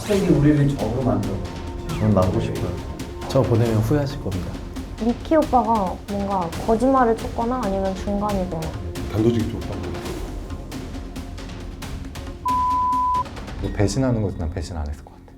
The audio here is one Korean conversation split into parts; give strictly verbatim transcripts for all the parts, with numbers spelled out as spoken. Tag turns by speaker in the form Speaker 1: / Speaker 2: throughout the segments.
Speaker 1: 갑자기 우리를 적으로 만들어.
Speaker 2: 저는 나오고 싶어요. 저 보내면 후회하실 겁니다.
Speaker 3: 미키 오빠가 뭔가 거짓말을 쳤거나 아니면 중간이거나.
Speaker 4: 단도직입 좀 하고.
Speaker 2: 배신하는 것도 난 배신 안 했을 것 같아.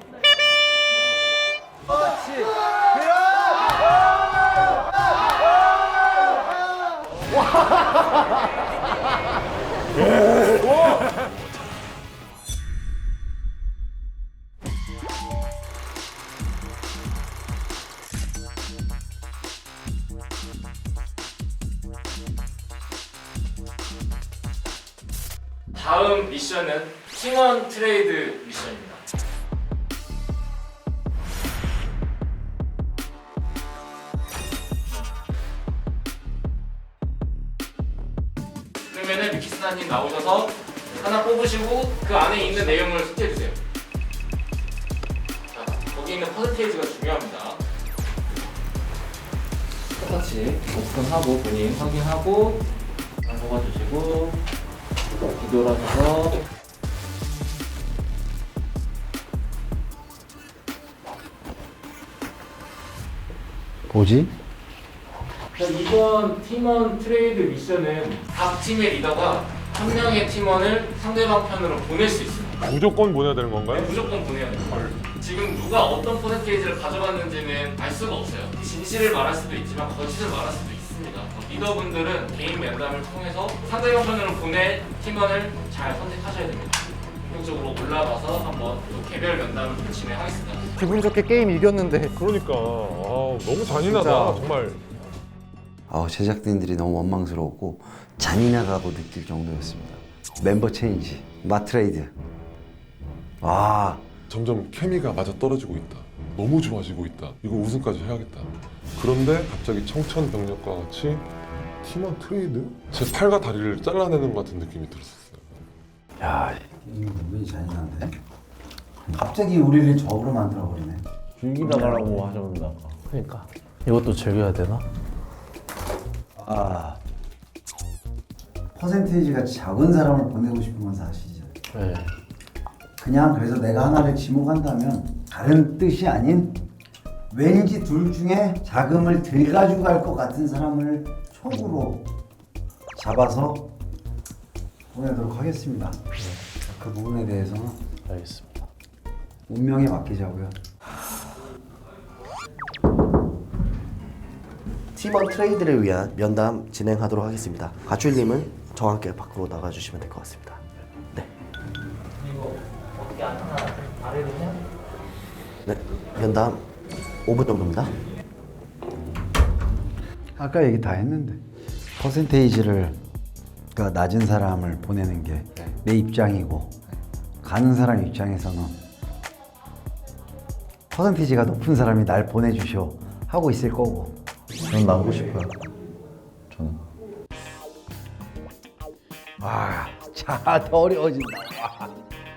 Speaker 5: 다음 미션은 팀원 트레이드 미션입니다. 그러면은 미키스나님 나오셔서 하나 뽑으시고 그 안에 있는 내용을 숙제해주세요. 자, 거기 있는 퍼센테이지가 중요합니다. 똑같이 오픈하고 본인 확인하고 적어주시고 뒤돌아서서
Speaker 1: 뭐지?
Speaker 5: 자, 이번 팀원 트레이드 미션은 각 팀의 리더가 한 명의 팀원을 상대방 편으로 보낼 수 있습니다.
Speaker 4: 무조건 보내야 되는 건가요?
Speaker 5: 네, 무조건 보내야 돼요. 지금 누가 어떤 퍼센테이지를 가져갔는지는 알 수가 없어요. 진실을 말할 수도 있지만 거짓을 말할 수도 있습니다. 리더분들은 개인 면담을 통해서 상대방 편으로 보낼 팀원을 잘 선택하셔야 됩니다. 본격적으로 올라가서 한번 또 개별 면담을 좀 진행하겠습니다.
Speaker 2: 기분 좋게 게임 이겼는데.
Speaker 4: 그러니까 아, 너무 잔인하다
Speaker 2: 진짜.
Speaker 4: 정말.
Speaker 6: 아, 제작진들이 너무 원망스러웠고 잔인하다고 느낄 정도였습니다. 멤버 체인지, 마트레이드. 와,
Speaker 4: 점점 케미가 맞아 떨어지고 있다. 너무 좋아지고 있다. 이거 우승까지 해야겠다. 그런데 갑자기 청천벽력과 같이 팀원 트레이드? 제 팔과 다리를 잘라내는 것 같은 느낌이 들었어요.
Speaker 1: 야, 이거 은근히 잔인한데? 갑자기 우리를 적으로 만들어버리네.
Speaker 2: 즐기다가라고 하셨는데 아까. 그러니까 이것도 즐겨야 되나?
Speaker 1: 아, 퍼센테이지가 작은 사람을 보내고 싶은 건 사실이죠.
Speaker 2: 네.
Speaker 1: 그냥 그래서 내가 하나를 지목한다면 다른 뜻이 아닌 왠지 둘 중에 자금을 덜 가지고 갈 것 같은 사람을 촉으로 잡아서 보내도록 하겠습니다. 그 부분에 대해서는
Speaker 2: 알겠습니다.
Speaker 1: 운명에 맡기자고요.
Speaker 7: 팀원 트레이드를 위한 면담 진행하도록 하겠습니다. 가출님은 저와 함께 밖으로 나가주시면 될 것 같습니다. 네.
Speaker 5: 이거 어떻게 하나 아래로 해야 돼?
Speaker 7: 네. 면담 오 분 정도입니다.
Speaker 1: 아까 얘기 다 했는데 퍼센테이지를 그러니까 낮은 사람을 보내는 게 내 입장이고 가는 사람 입장에서는 퍼센테이지가 높은 사람이 날 보내주쇼 하고 있을 거고.
Speaker 2: 저는 나오고 싶어요. 저는.
Speaker 1: 와, 자, 더 어려워진다. 와.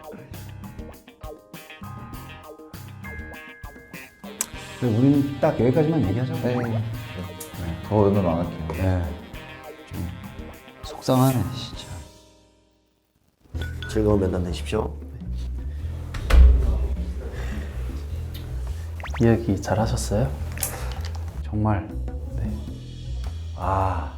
Speaker 1: 그래, 우리는 딱 여기까지만 얘기하자고.
Speaker 2: 네. 더 응원 안 할게요.
Speaker 1: 네. 좀 속상하네, 진짜.
Speaker 7: 즐거운 면담 되십시오.
Speaker 2: 이야기 잘 하셨어요?
Speaker 1: 정말. 네. 아.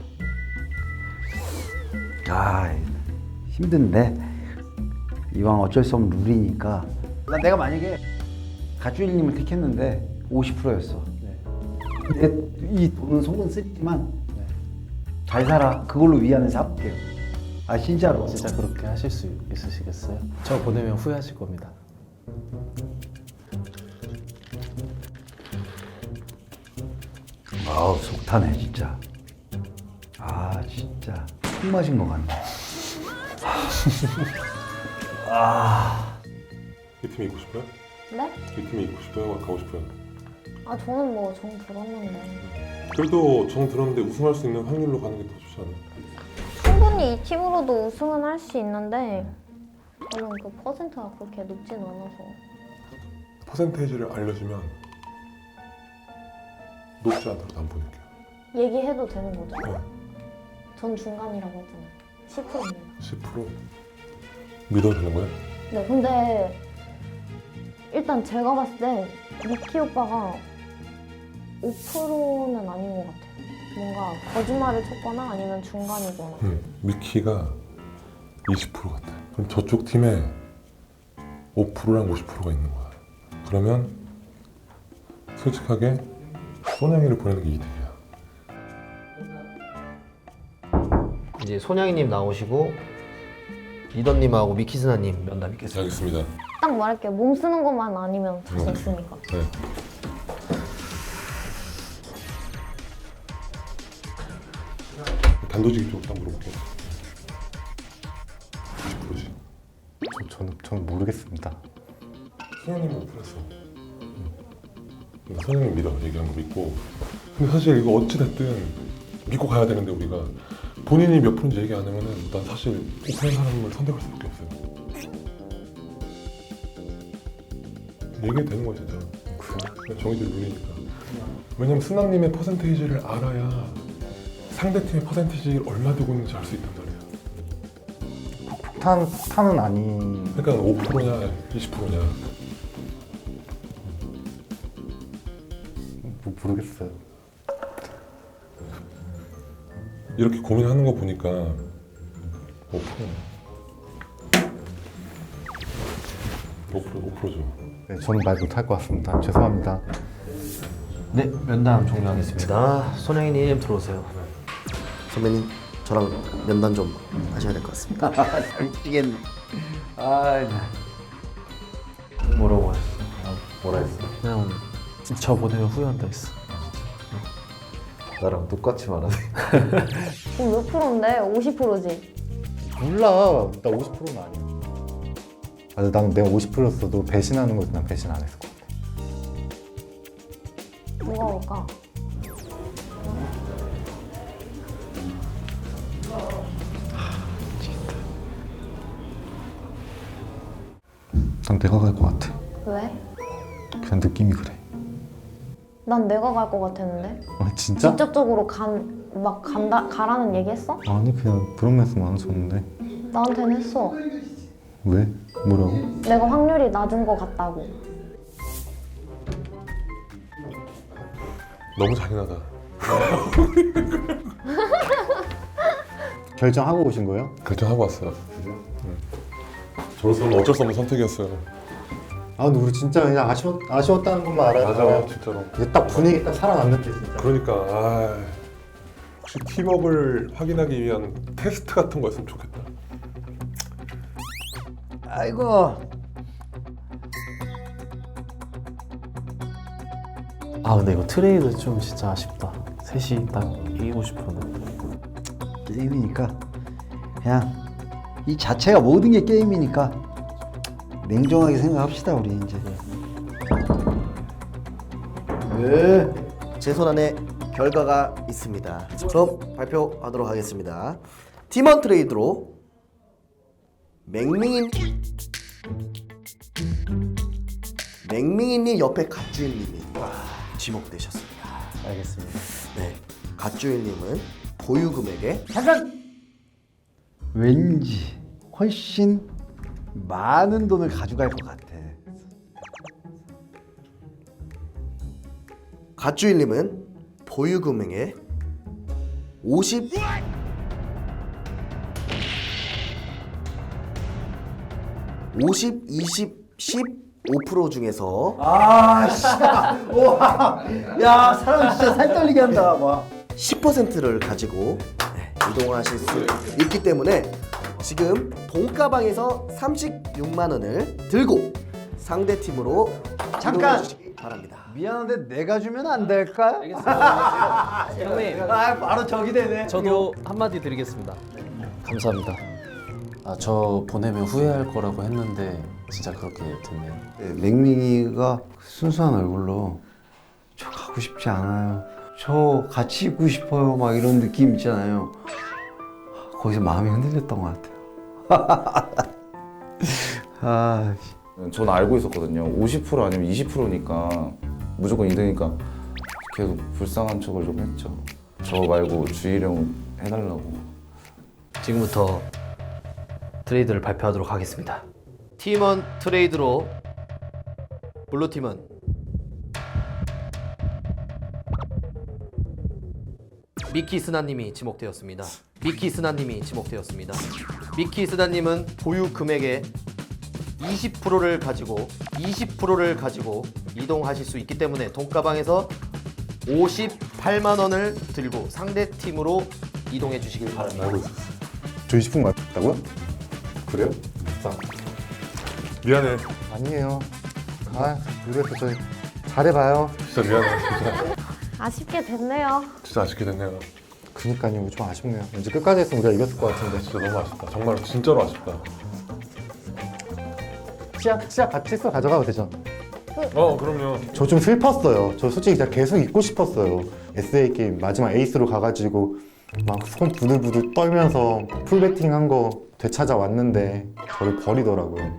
Speaker 1: 아, 힘든데 이왕 어쩔 수 없는 룰이니까 내가 만약에 가주일님을 택했는데 오십 퍼센트였어.
Speaker 2: 네.
Speaker 1: 근데 이 돈은 속은 쓰지만 잘 살아. 그걸로 위안을 삼을게요. 아, 진짜로.
Speaker 2: 진짜 그렇게 하실 수 있으시겠어요? 저 보내면 후회하실 겁니다.
Speaker 1: 아우, 속 타네 진짜. 아, 진짜 술 마신 것 같네. 아,
Speaker 4: 이 팀에 있고 싶어요?
Speaker 3: 네?
Speaker 4: 이 팀에 있고 싶어요? 가고 싶어요?
Speaker 3: 아 저는 뭐 정 들었는데
Speaker 4: 그래도 정 들었는데 우승할 수 있는 확률로 가는 게 더 좋지 않아요?
Speaker 3: 충분히 이 팀으로도 우승은 할 수 있는데 저는 그 퍼센트가 그렇게 높진 않아서.
Speaker 4: 퍼센테이지를 알려주면 높지 않더라도 안 보낼게요.
Speaker 3: 얘기해도 되는 거죠?
Speaker 4: 네.
Speaker 3: 전 중간이라고 했잖아요. 십 퍼센트입니다.
Speaker 4: 십 퍼센트 믿어도 되는 거예요?
Speaker 3: 네, 근데 일단 제가 봤을 때 미키 오빠가 오 퍼센트는 아닌 것 같아요. 뭔가 거짓말을 쳤거나 아니면 중간이거나.
Speaker 4: 음, 미키가 이십 퍼센트 같아. 그럼 저쪽 팀에 오 퍼센트랑 오십 퍼센트가 있는 거야. 그러면 솔직하게 소냥이를 보내는 게 이득이야.
Speaker 7: 이제 손양이님 나오시고 리더님하고 미키스나님 면담 있겠습니다.
Speaker 4: 알겠습니다.
Speaker 3: 딱 말할게요. 몸 쓰는 것만 아니면 자신 있으니까.
Speaker 4: 네. 단도직입 좀 물어볼게요. 오십 퍼센트지.
Speaker 8: 저, 저는, 저는 모르겠습니다.
Speaker 4: 소장님은 오픈했어. 그러니까 소장님 믿어. 얘기한 거 믿고. 근데 사실 이거 어찌됐든 믿고 가야 되는데 우리가 본인이 몇 프로인지 얘기 안 하면은 난 사실 오픈한 사람을 선택할 수밖에 없어요. 얘기해도 되는 거야 진짜. 그냥 정의들 누리니까. 왜냐면 스나님의 퍼센테이지를 알아야 상대팀의 퍼센테이지를 얼마 두고 있는지 알 수 있단 말이야.
Speaker 8: 폭탄, 폭탄은 아닌.
Speaker 4: 그러니까 오 퍼센트냐 이십 퍼센트냐.
Speaker 8: 뭐, 모르겠어요.
Speaker 4: 이렇게 고민하는 거 보니까 오 퍼센트. 오 퍼센트, 오 퍼센트죠.
Speaker 8: 네, 저는 말 못할 것 같습니다. 죄송합니다.
Speaker 7: 네, 면담 종료하겠습니다. 손양이님 들어오세요. 선배님, 저랑 면담 좀 하셔야 될 것 같습니다.
Speaker 1: 미치겠네. 아, 나.
Speaker 2: 뭐라고 했어?
Speaker 6: 뭐라 했어?
Speaker 2: 그냥 저 보내면 후회한다 했어.
Speaker 6: 나랑 똑같이 말하네.
Speaker 3: 지금 몇 프로인데? 오십 퍼센트지?
Speaker 8: 몰라. 나 오십 퍼센트는 아니야. 아, 난 내가 오십 퍼센트였어도 배신하는 거지 난 배신 안 했을 것 같아.
Speaker 3: 누가 올까?
Speaker 8: 난 내가 갈 것 같아.
Speaker 3: 왜?
Speaker 8: 그냥 느낌이 그래.
Speaker 3: 난 내가 갈 것 같았는데?
Speaker 8: 아 진짜?
Speaker 3: 직접적으로 간, 막 간다, 가라는 얘기 했어?
Speaker 8: 아니 그냥 브로맨스만 줬는데.
Speaker 3: 나한테는 했어.
Speaker 8: 왜? 뭐라고?
Speaker 3: 내가 확률이 낮은 것 같다고.
Speaker 4: 너무 잔인하다.
Speaker 8: 결정하고 오신 거예요?
Speaker 4: 결정하고 왔어요. 응. 저로서는 어쩔 수 없는 선택이었어요.
Speaker 8: 아 근데 우리 진짜 그냥 아쉬웠, 아쉬웠다는 것만 알아요.
Speaker 4: 맞아, 진짜로.
Speaker 8: 이제 딱 분위기 딱 살아났는데 진짜.
Speaker 4: 그러니까 아, 혹시 팀워크를 확인하기 위한 테스트 같은 거였으면 좋겠다.
Speaker 1: 아이고.
Speaker 2: 아 근데 이거 트레이드 좀 진짜 아쉽다. 셋이 딱 이기고 싶었는데.
Speaker 1: 게임이니까 그냥 이 자체가 모든 게 게임이니까 냉정하게 생각합시다 우리 이제.
Speaker 7: 네. 제 손안에 결과가 있습니다. 그럼 발표하도록 하겠습니다. 팀원 트레이드로 맹밍인 맹밍이님 옆에 갓주일님이 지목되셨습니다.
Speaker 2: 알겠습니다.
Speaker 7: 네, 갓주일님은 보유 금액의
Speaker 1: 잠깐. 왠지 훨씬 많은 돈을 가져갈 것 같아.
Speaker 7: 갓주일님은 보유 금액의 오십 오십, 이십, 십오 퍼센트 중에서
Speaker 1: 아, 씨. 와. 야, 사람 진짜 살 떨리게 한다. 와.
Speaker 7: 십 퍼센트를 가지고 네, 이동하실 수 있기 때문에 지금 돈가방에서 삼십육만 원을 들고 상대 팀으로
Speaker 1: 잠깐!
Speaker 7: 이동해 주시기 바랍니다.
Speaker 1: 미안한데 내가 주면 안 될까?
Speaker 2: 형님,
Speaker 1: 아, 바로 저기 되네.
Speaker 2: 저도 한마디 드리겠습니다. 감사합니다. 아, 저 보내면 후회할 거라고 했는데 진짜 그렇게 됐네요.
Speaker 6: 네, 맹밍이가 순수한 얼굴로 저 가고 싶지 않아요. 저 같이 있고 싶어요. 막 이런 느낌 있잖아요. 거기서 마음이 흔들렸던 것 같아요. 아,
Speaker 9: 전 알고 있었거든요. 오십 퍼센트 아니면 이십 퍼센트니까 무조건 이등이니까 계속 불쌍한 척을 좀 했죠. 저 말고 주희령 해달라고.
Speaker 7: 지금부터 트레이드를 발표하도록 하겠습니다. 팀원 트레이드로 블루팀은 미키 스나님이 지목되었습니다. 미키 스나님이 지목되었습니다. 미키 스나님은 보유 금액의 이십 퍼센트를 가지고 이십 퍼센트를 가지고 이동하실 수 있기 때문에 돈가방에서 오십팔만 원을 들고 상대 팀으로 이동해 주시길 바랍니다.
Speaker 4: 알고 있었어.
Speaker 8: 저 이십 분 맞다고요?
Speaker 4: 그래요? 미안해.
Speaker 8: 아니에요. 아, 모르겠어. 저 잘해봐요.
Speaker 4: 진짜 미안해. 진짜,
Speaker 3: 아쉽게 됐네요.
Speaker 4: 진짜 아쉽게 됐네요.
Speaker 8: 그니까요. 좀 아쉽네요. 왠지 끝까지 했으면 우리가 이겼을 것 같은데.
Speaker 4: 진짜 너무 아쉽다. 정말 진짜로 아쉽다.
Speaker 8: 치약, 치약 같이 써 가져가도 되죠?
Speaker 4: 어 그럼요.
Speaker 8: 저 좀 슬펐어요. 저 솔직히 진짜 계속 있고 싶었어요. 에스에이 게임 마지막 에이스로 가가지고 막 손 부들부들 떨면서 풀배팅 한 거 되찾아왔는데 저를 버리더라고요.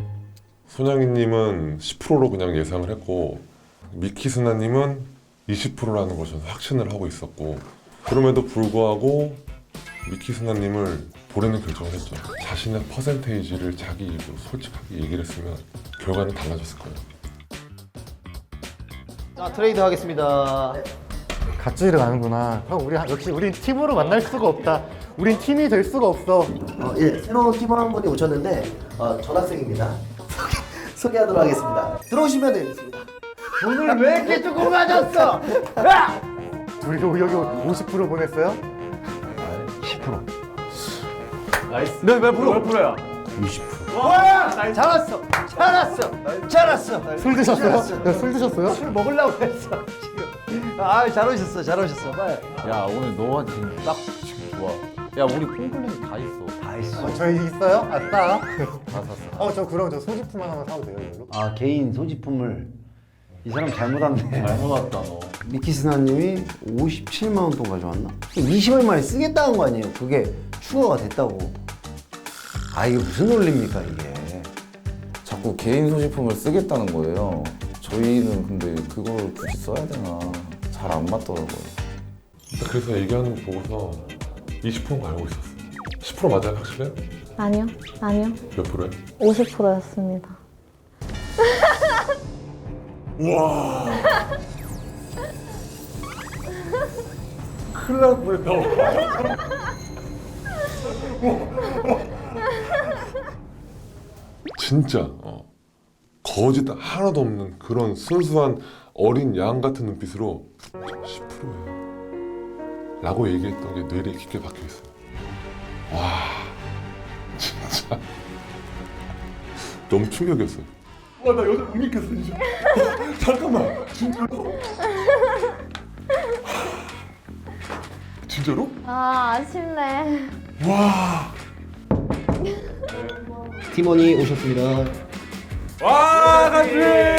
Speaker 4: 손양이님은 십 퍼센트로 그냥 예상을 했고 미키스나님은 이십 퍼센트라는 걸 저는 확신을 하고 있었고 그럼에도 불구하고 미키스나님을 보내는 결정을 했죠. 자신의 퍼센테이지를 자기 입으로 솔직하게 얘기를 했으면 결과는 달라졌을 거예요.
Speaker 7: 자, 트레이드 하겠습니다.
Speaker 8: 갓주의를 가는구나. 형, 우리 역시 우린 팀으로 만날 수가 없다. 우린 팀이 될 수가 없어.
Speaker 7: 어, 예, 새로운 팀원 한 분이 오셨는데 어, 전학생입니다. 소개하도록 하겠습니다. 들어오시면 되겠습니다.
Speaker 1: 돈을 왜 이렇게 조금 가졌어?
Speaker 8: 우리 여기 오십 퍼센트 보냈어요?
Speaker 1: 십 퍼센트.
Speaker 5: 네, 몇 프로? 몇 프로야?
Speaker 1: 이십 퍼센트. 와! 잘했어. 잘했어. 잘했어.
Speaker 8: 술 드셨어요? 야, 술 드셨어요?
Speaker 1: 술 먹으려고 했어 지금. 아, 잘 오셨어. 잘 오셨어. 빨리.
Speaker 2: 야 오늘 너가 지금 딱 지금 좋아. 야 우리 콩클린이 다 있어.
Speaker 1: 다 있어.
Speaker 8: 어, 저희 있어요? 아싸.
Speaker 2: 다 샀어.
Speaker 8: 어, 저 그럼 저 소지품 하나만 사도 돼요, 이걸로?
Speaker 1: 아, 개인 소지품을 이 사람 잘못 왔네.
Speaker 2: 잘못 왔다 너.
Speaker 6: 미키스나님이 오십칠만 원 돈 가져왔나? 이십 일 만에 쓰겠다는 거 아니에요? 그게 추가가 됐다고. 아, 이게 무슨 논리입니까 이게?
Speaker 9: 자꾸 개인 소지품을 쓰겠다는 거예요. 저희는 근데 그걸 굳이 써야 되나 잘 안 맞더라고요.
Speaker 4: 그래서 얘기하는 거 보고서 이십 퍼센트 알고 있었어. 십 퍼센트 맞아요? 확실해요?
Speaker 3: 아니요, 아니요.
Speaker 4: 몇 프로예요?
Speaker 3: 오십 퍼센트였습니다.
Speaker 4: 우와. 큰일 날 뻔했다. 진짜 어, 거짓 하나도 없는 그런 순수한 어린 양 같은 눈빛으로 십 퍼센트예요 라고 얘기했던 게 뇌리에 깊게 박혀있어요. 와 진짜 너무 충격이었어요. 와 나 여자 못 믿겠어 진짜. 잠깐만 진짜로? 진짜로?
Speaker 3: 아, 아쉽네.
Speaker 4: 와.
Speaker 7: 팀원이 오셨습니다.
Speaker 4: 와 같이.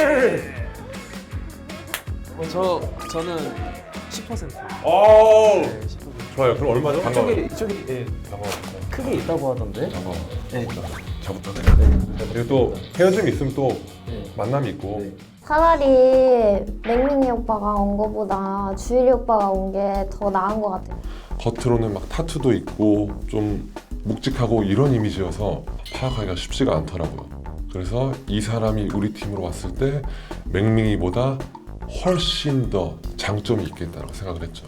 Speaker 2: 저 저는 십 퍼센트.
Speaker 4: 오. 좋아요. 그럼 얼마죠? 반가워요.
Speaker 2: 이쪽이 예,
Speaker 4: 반가워요.
Speaker 2: 크게 있다고 하던데.
Speaker 4: 반가워요.
Speaker 2: 네.
Speaker 4: 저부터. 그리고 또 헤어짐이 있으면 또 만남이 있고.
Speaker 3: 차라리 맹민이 오빠가 온 거보다 주일이 오빠가 온 게 더 나은 것 같아요.
Speaker 4: 겉으로는 막 타투도 있고 좀 묵직하고 이런 이미지여서 파악하기가 쉽지가 않더라고요. 그래서 이 사람이 우리 팀으로 왔을 때 맹밍이보다 훨씬 더 장점이 있겠다고 생각을 했죠.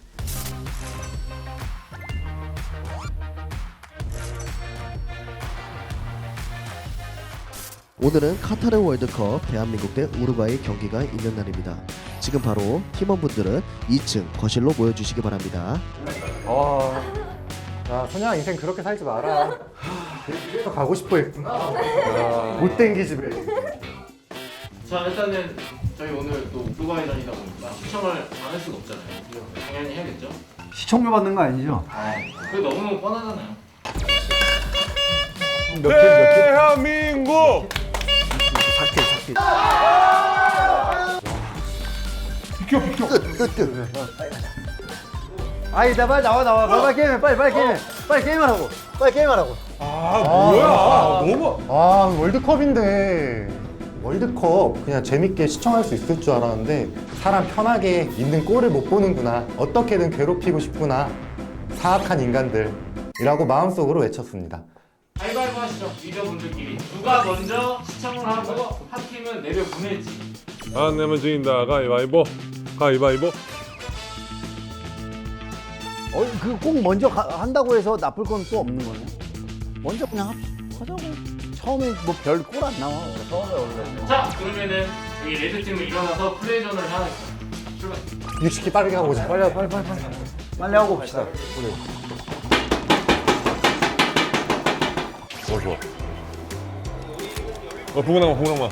Speaker 7: 오늘은 카타르 월드컵 대한민국 대 우루과이 경기가 있는 날입니다. 지금 바로 팀원분들은 이 층 거실로 모여주시기 바랍니다.
Speaker 8: 아, 야, 소녀 인생 그렇게 살지 마라. 그래서 가고 싶어 했구나. 못 땡기 집에.
Speaker 5: 자 일단은 저희 오늘 또 우루과이전이다 보니까 시청을 안 할 수가 없잖아요. 당연히 해야겠죠.
Speaker 1: 시청료 받는 거 아니죠?
Speaker 5: 그게 너무 뻔하잖아요.
Speaker 4: 대한민국!
Speaker 7: 삭제 삭제.
Speaker 4: 비켜 비켜!
Speaker 1: 아이, 나 빨리 나와 나와. 빨리, 빨리 게임해. 빨리 빨리 게임해. 빨리 게임하라고. 빨리 게임하라고.
Speaker 4: 아 뭐야? 너무
Speaker 8: 아, 월드컵인데. 월드컵 그냥 재밌게 시청할 수 있을 줄 알았는데 사람 편하게 있는 꼴을 못 보는구나. 어떻게든 괴롭히고 싶구나. 사악한 인간들이라고 마음속으로 외쳤습니다.
Speaker 5: 가위바위보 하시죠. 리더분들끼리. 누가 먼저 시청을 하고 한 팀은 내려 보내지.
Speaker 4: 안 내면 진다. 가위바위보. 가위바위보.
Speaker 1: 어, 그 꼭 먼저 가- 한다고 해서 나쁠 건 또 없는 거네. 먼저 그냥 합- 하자고. 처음에 뭐 별 꼴 안 나와. 처음에 원래.
Speaker 5: 자, 그러면은 여기 레드 팀은 일어나서 플레이존을 향하겠습니다. 출발.
Speaker 8: 육십 킬 빠르게 하고 오자.
Speaker 1: 빨리 빨리 빨리 빨리. 빨리 하고 봅시다. 그래.
Speaker 4: 어 좋아. 어 붕어낭마 붕어낭마.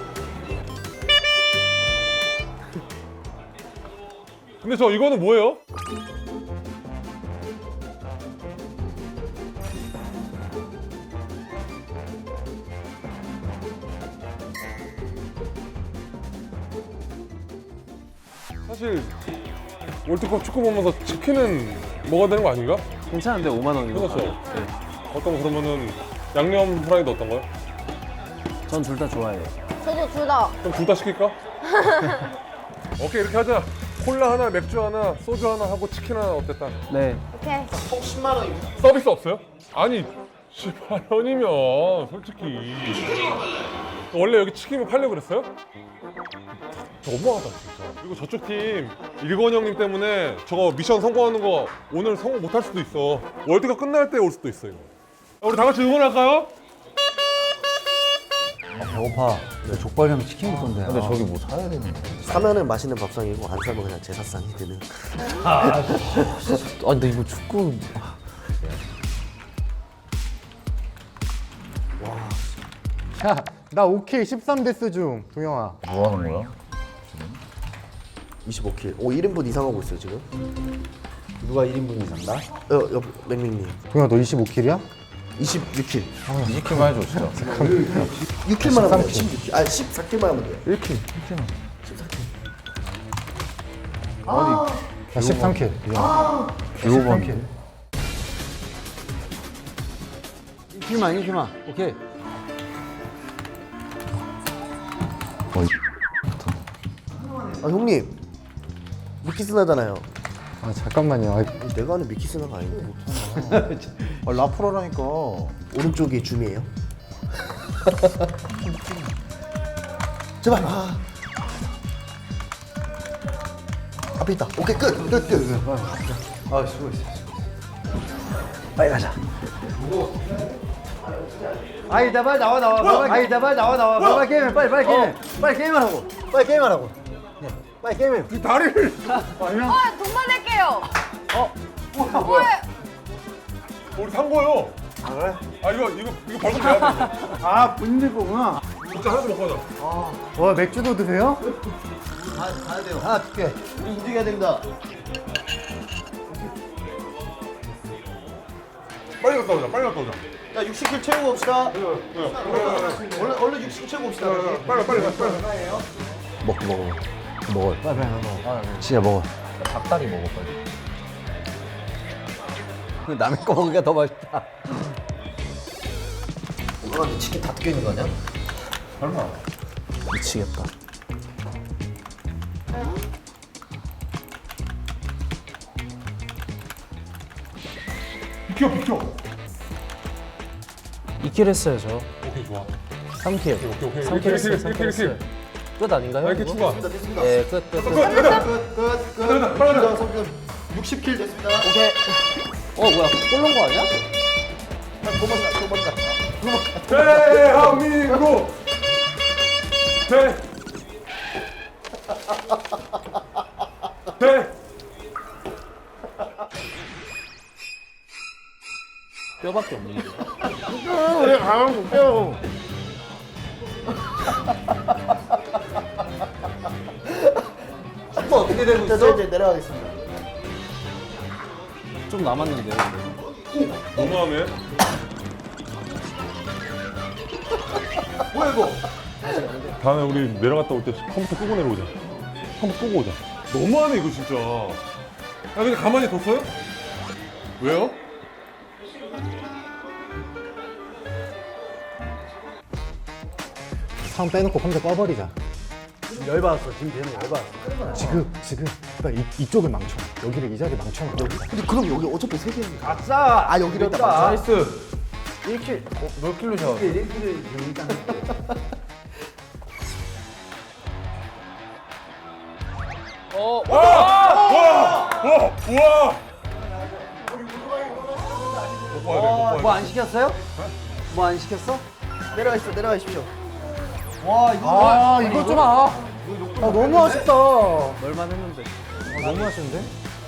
Speaker 4: 근데 저 이거는 뭐예요? 사실 월드컵 축구 보면서 치킨은 먹어야 되는 거 아닌가?
Speaker 2: 괜찮은데 오만 원이고.
Speaker 4: 그렇죠. 어떤 거 그러면은 양념 프라이드 어떤 거요?
Speaker 2: 전 둘 다 좋아해요.
Speaker 3: 저도 둘 다.
Speaker 4: 그럼 둘 다 시킬까? 오케이 이렇게 하자. 콜라 하나, 맥주 하나, 소주 하나 하고 치킨 하나 어땠다?
Speaker 2: 네.
Speaker 3: 오케이.
Speaker 4: 서비스 없어요? 아니 십팔 원이면 솔직히 원래 여기 치킨을 팔려고 그랬어요? 너무하다 진짜. 그리고 저쪽 팀 일건 형님 때문에 저거 미션 성공하는 거 오늘 성공 못할 수도 있어. 월드컵 끝날 때 올 수도 있어 이거. 우리 다 같이 응원할까요?
Speaker 1: 배고파. 내 족발이랑 치킨 먹던데.
Speaker 9: 근데 저기 뭐 사야 되는 거야?
Speaker 7: 사면은 맛있는 밥상이고 안 사면 그냥 제사상이 되는. 아, 근데 이거 축구.
Speaker 8: 야, 나 오 킬 십삼 데스 중, 동영아.
Speaker 9: 뭐 하는 거야?
Speaker 7: 이십오 킬. 오, 일 인분 이상 하고 있어요 지금.
Speaker 1: 누가 일 인분 이상 나?
Speaker 7: 어, 옆 맥민님.
Speaker 8: 동영아, 너 이십오 킬이야?
Speaker 7: 이십육 킬.
Speaker 9: 이십 킬만 해줘 진짜.
Speaker 7: 육 킬만 하면 돼. 십육 킬. 아, 십사 킬만 하면 돼.
Speaker 8: 일 킬. 나 십삼 킬. 십삼 킬.
Speaker 1: 일 킬만 일 킬만. 오케이.
Speaker 7: 아, 형님. 미키스나잖아요.
Speaker 8: 아, 잠깐만요. 아,
Speaker 7: 내가 아는 미키스나가 아닌데.
Speaker 1: 아, 라프로라니까.
Speaker 7: 오른쪽이 줌이에요. 제발. 아. 앞에 있다. 오케이, 끝. 끝, 끝.
Speaker 1: 아, 수고했어. 빨리 가자. 아이, 나 빨리 나와 나와. 빨리, 아이, 나 빨리 나와 나와. 빨리, 빨리 게임해. 빨리 빨리 게임해. 빨리 게임하라고. 빨리 게임하라고. 네, 빨리 게임해.
Speaker 4: 이 다리를
Speaker 1: 아니야.
Speaker 10: 아, 돈만 낼게요.
Speaker 1: 뭐야 뭐야.
Speaker 4: 우리 산 거요.
Speaker 1: 아, 그래?
Speaker 4: 아 이거 이거 이거 벌금 내야 돼. 이거.
Speaker 1: 아, 본인들 거구나.
Speaker 4: 진짜 하나도 먹고 가자.
Speaker 8: 와, 맥주도 드세요?
Speaker 1: 가, 가야 돼요. 하나 줄게. 우리 움직여야 된다.
Speaker 4: 빨리 갔다 오자. 빨리 갔다 오자.
Speaker 1: 야, 육십 킬 채우고 봅시다. 얼른 얼른 육십 채우고 봅시다.
Speaker 4: 빨리 빨리 빨리.
Speaker 2: 먹고 먹어. 먹어.
Speaker 1: 빨리 빨리 먹어.
Speaker 2: 진짜 먹어. 닭다리 먹어 빨리.
Speaker 1: 남의 거 먹으니까 더 맛있다.
Speaker 7: 아, 치킨 다 뜯겨 있는 거 아니야?
Speaker 4: 설마.
Speaker 2: 미치겠다.
Speaker 4: 비켜 비켜.
Speaker 2: 이 킬 했어요 저.
Speaker 4: 오케이 좋아.
Speaker 2: 삼 킬.
Speaker 4: 오케이 오케이.
Speaker 2: 삼 킬 했어요. 삼 킬
Speaker 4: 이렇게
Speaker 2: 했어요. 끝 아닌가요?
Speaker 4: 이렇게
Speaker 2: 이거?
Speaker 4: 추가.
Speaker 2: 네, 끝, 끝, 끝.
Speaker 1: 끝, 끝.
Speaker 4: 빨리 가자.
Speaker 1: 육십 킬 됐습니다.
Speaker 2: 오케이. 어, 뭐야? 골 넣은 거 아니야?
Speaker 1: 도망가, 도망가.
Speaker 4: 대한민국. 대. 대.
Speaker 2: 뼈밖에 없는데.
Speaker 1: 우리 가만 볼게요.
Speaker 7: 슈퍼 어떻게 되고 있어? 이제 내려가겠습니다.
Speaker 2: 좀 남았는데요.
Speaker 4: 너무하네.
Speaker 1: 뭐야 이거?
Speaker 4: 다음에 우리 내려갔다 올 때 컴퓨터 끄고 내려오자. 컴퓨터 끄고 오자. 너무하네 이거 진짜. 야 근데 가만히 뒀어요? 왜요?
Speaker 8: 사람 빼놓고 컴퓨터 꺼버리자.
Speaker 1: 열받았어. 지금 되는 열받았어.
Speaker 8: 지금, 지금. 나 이, 이쪽을 망쳐. 여기를 이 자리에 망쳐놔.
Speaker 7: 근데 그럼 여기 어차피 세 개니까.
Speaker 1: 아싸.
Speaker 7: 아, 여기를 다
Speaker 1: 됐다.
Speaker 7: 맞춰?
Speaker 1: 나이스.
Speaker 7: 일 킬로, 어, 몇 킬로 샤워?
Speaker 1: 일 킬로를 일단
Speaker 7: 어,
Speaker 4: 와! 와! 와!
Speaker 6: 뭐 안 시켰어요? 뭐 안 시켰어?
Speaker 7: 내려가십시오, 내려가십시오.
Speaker 6: 와 이거
Speaker 7: 아, 이거 좀 아. 아, 너무 아쉽다.
Speaker 6: 얼마 했는데?
Speaker 7: 아, 너무 아쉬운데?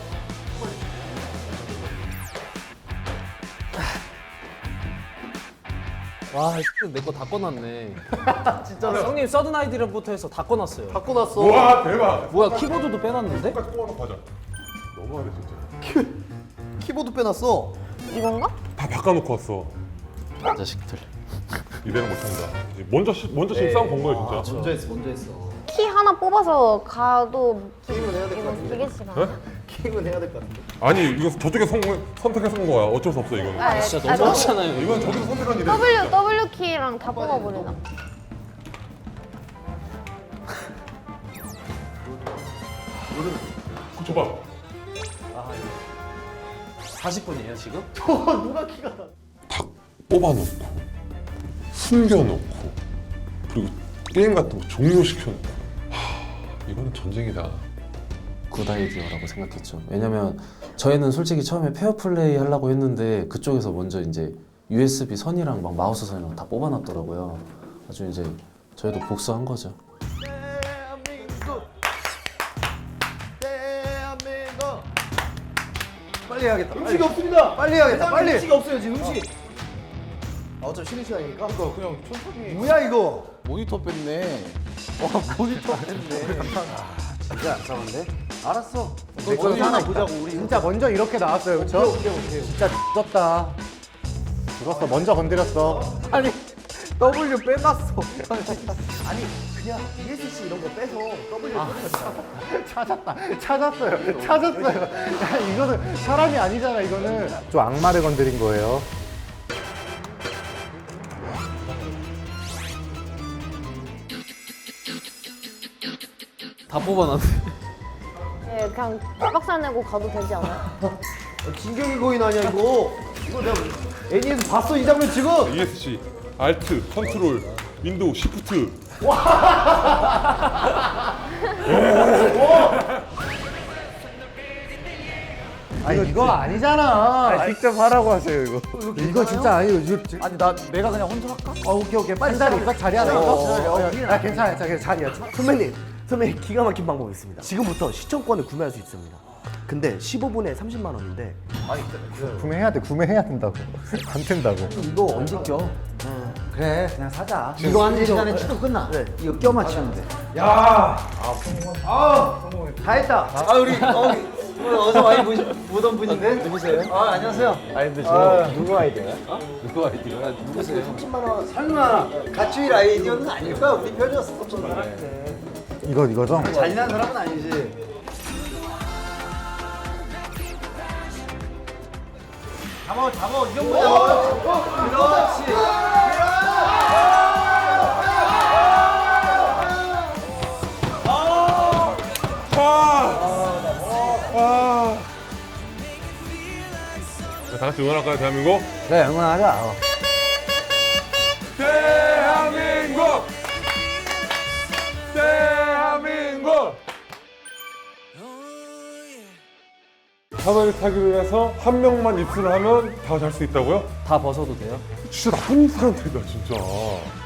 Speaker 2: 와, 내거 다 꺼놨네. 진짜로. 형님 서든 아이디부터 해서 다 꺼놨어요.
Speaker 7: 갖고 났어.
Speaker 4: 와, 대박.
Speaker 2: 뭐야, 키보드도 빼놨는데?
Speaker 4: 똑같이 뽑아놓고 하자. 너무하네 진짜.
Speaker 7: 키보드 빼놨어.
Speaker 3: 이건가?
Speaker 4: 다 바꿔놓고 왔어.
Speaker 2: 자식들.
Speaker 4: 이대로 못한다. 이제 먼저 시, 먼저 지금 싸움 건 거예요 진짜.
Speaker 7: 먼저 했어, 먼저 했어.
Speaker 3: 키 하나 뽑아서 가도
Speaker 7: 게임은 해야 될 것
Speaker 3: 이거
Speaker 7: 같은데.
Speaker 3: 되게 시간.
Speaker 4: 네?
Speaker 7: 게임은 해야 될 것 같은데.
Speaker 4: 아니 이거 저쪽에 선, 선택해서 온 거야. 어쩔 수 없어 이거는.
Speaker 3: 아,
Speaker 2: 진짜
Speaker 3: 아,
Speaker 2: 너무하잖아요.
Speaker 4: 이건 저기서 선택한 일이야.
Speaker 3: W
Speaker 4: 진짜.
Speaker 3: W 키랑 다 뽑아버리나?
Speaker 4: 그거 줘봐.
Speaker 2: 사십 분이에요, 지금?
Speaker 4: 다 뽑아놓고 숨겨놓고 그리고 게임 같은 거 종료시켜놓고 하, 이거는 전쟁이다.
Speaker 2: 굿 아이디어라고 생각했죠. 왜냐면 저희는 솔직히 처음에 페어플레이 하려고 했는데 그쪽에서 먼저 이제 유에스비 선이랑 막 마우스 선이랑 다 뽑아놨더라고요. 아주 이제 저희도 복수한 거죠.
Speaker 7: 대한민국, 대한민국.
Speaker 6: 빨리 해야겠다.
Speaker 7: 음식이 없습니다.
Speaker 6: 빨리 해야겠다. 빨리.
Speaker 7: 음식이 없어요 지금 음식이. 아, 어차피 쉬는 시간이니까. 그러니까 그냥 천천히.
Speaker 6: 뭐야 이거?
Speaker 9: 모니터 뺐네.
Speaker 6: 와 모니터 했네. 진짜 안 싸운데? 알았어. 내 거 하나 보자고 우리.
Speaker 8: 진짜 먼저 이렇게 나왔어요, 그렇죠? 진짜 졌다. 죽었어, 먼저 건드렸어.
Speaker 6: 아니 W 빼놨어.
Speaker 7: 아니 그냥 이에스씨 이런 거 빼서 W
Speaker 8: 찾았다. 찾았어요. 찾았어요. 야, 이거는 사람이 아니잖아, 이거는. 좀 악마를 건드린 거예요.
Speaker 2: 다 뽑아놨네.
Speaker 3: 네, 그냥 빡살 내고 가도 되지 않아요?
Speaker 7: 진격의 거인 아니야 이거. 이거 내가 애니에서 봤어 이 장면 지금.
Speaker 4: 이에스씨, 알트, 컨트롤, 윈도우, 시프트.
Speaker 8: 아니, 이거 아니잖아.
Speaker 6: 직접 하라고 하세요 이거.
Speaker 8: 이거 진짜 아니에요. 이거
Speaker 7: 아니 나 내가 그냥 혼자 할까?
Speaker 8: 어, 오케이, 오케이. 빨리 자리, 딱 자리 하나
Speaker 7: 어,
Speaker 8: 있어?
Speaker 7: 어, 어,
Speaker 8: 아, 괜찮아, 괜찮아. 자리야.
Speaker 10: 선배님, 선배님 기가 막힌 방법이 있습니다. 지금부터 시청권을 구매할 수 있습니다. 근데 십오 분에 삼십만 원인데
Speaker 8: 구매해야 돼, 구매해야 된다고. 안 된다고.
Speaker 7: 이거 언제 껴?
Speaker 1: 그래 그냥 사자. 이거 하는 시간에 치도 끝나.
Speaker 10: 네.
Speaker 1: 이거 껴 맞추면 돼.
Speaker 6: 다 했다. 아 우리 어, 오늘 어서 많이 보시, 보던 분인데. 누구세요? 아 안녕하세요.
Speaker 1: 아니 근데 저 누구 아이디어야?
Speaker 2: 누구 아이디어야? 누구세요?
Speaker 1: 설마 가추일 아이디어는 아닐까? 우리 편이었었던 사람인데.
Speaker 8: 이거, 이거죠?
Speaker 1: 잔인한 사람은 아니지.
Speaker 6: 잡아 잡아 이 정도 잡아. 그렇지.
Speaker 4: 자, 다 같이 응원할까요, 대한민국?
Speaker 1: 그래 응원하자.
Speaker 4: 대한민국! 대한민국! 사다리 타기를 해서 한 명만 입수를 하면 다 잘 수 있다고요?
Speaker 2: 다 벗어도 돼요?
Speaker 4: 진짜 나쁜 사람들이다 진짜.